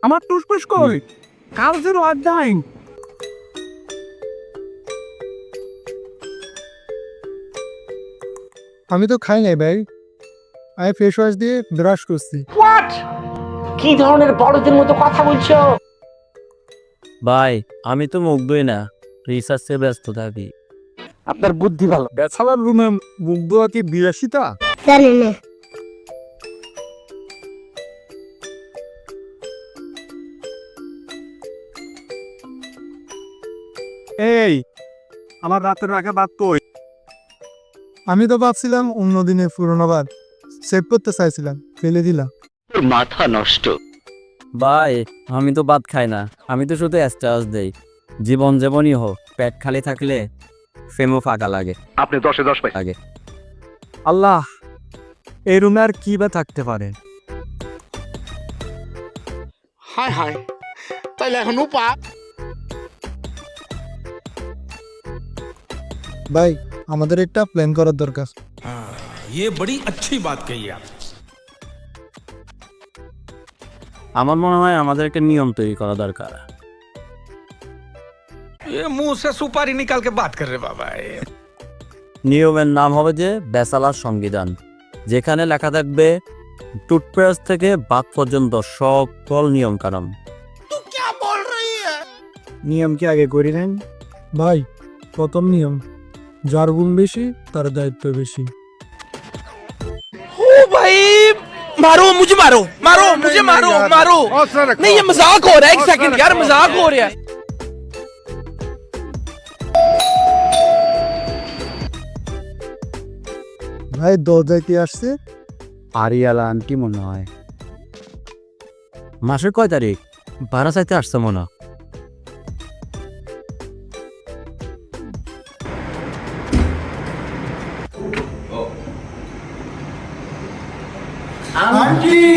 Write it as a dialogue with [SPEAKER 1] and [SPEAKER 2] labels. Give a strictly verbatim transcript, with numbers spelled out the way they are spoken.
[SPEAKER 1] আমার টুসপুস কই? কাল যেন আড্ডাইন।
[SPEAKER 2] আমি তো খাই নাই ভাই, আমি ফেস ওয়াশ দিয়ে ব্রাশ করছি।
[SPEAKER 3] হোয়াট? কি ধরনের বড়দের মতো কথা বলছো?
[SPEAKER 4] ভাই আমি তো মুগ্ধই না, রিসার্চে ব্যস্ত থাকি।
[SPEAKER 3] আপনার বুদ্ধি ভালো।
[SPEAKER 1] ব্যাচেলার রুমে মুখ ধোয়া কি বিলাসিতা?
[SPEAKER 5] জানি না।
[SPEAKER 1] এই আমার রাতের রাখা বাদ কই?
[SPEAKER 2] আমি তো ভাবছিলাম অন্য দিনের পুরোনো বার সেভ করতে চাইছিলাম, ফেলে দিলাম।
[SPEAKER 3] মাথা নষ্ট।
[SPEAKER 4] ভাই আমি তো ভাত খাই না, আমি তো শুধু স্ট্যাটাস দেই। জীবন যেমনই হোক, পেট খালি থাকলে ফেমও ফাঁকা লাগে।
[SPEAKER 3] আপনি দশে দশ পাই।
[SPEAKER 4] লাগে
[SPEAKER 1] আল্লাহ, এই রুমে আর কি বা থাকতে পারে?
[SPEAKER 6] হায় হায়, তাইলে এখন উপা
[SPEAKER 2] ভাই আমাদের একটা প্ল্যান করার দরকার।
[SPEAKER 7] ये बड़ी अच्छी बात कही आप।
[SPEAKER 4] আমার মনে হয় আমাদের একটা নিয়ম তৈরি করা দরকার।
[SPEAKER 7] ये मुंह से सुपारी निकाल के बात कर रहे बाबा ये।
[SPEAKER 4] নিয়মের নাম হবে যে বেসালার সংবিধান, যেখানে লেখা থাকবে টুথপেস্ট থেকে বাথ পর্যন্ত সকল নিয়ম কানুন।
[SPEAKER 1] নিয়ম কি আগে করি নেন?
[SPEAKER 2] ভাই প্রথম নিয়ম, যার গুণ বেশি তার দায়িত্ব বেশি।
[SPEAKER 8] ओ भाई मारो मुझे, मारो मारो मुझे, मारो मारो। नहीं ये मजाक हो रहा है, एक सेकंड यार, मजाक हो रहा है।
[SPEAKER 2] ভাই দরজায় কি আসছে?
[SPEAKER 4] আরিয়ালা আন্টি মনে হয়। মাসের কয় তারিখ? ভাড়া চাইতে আসছে মনে হয়।
[SPEAKER 2] আন্টি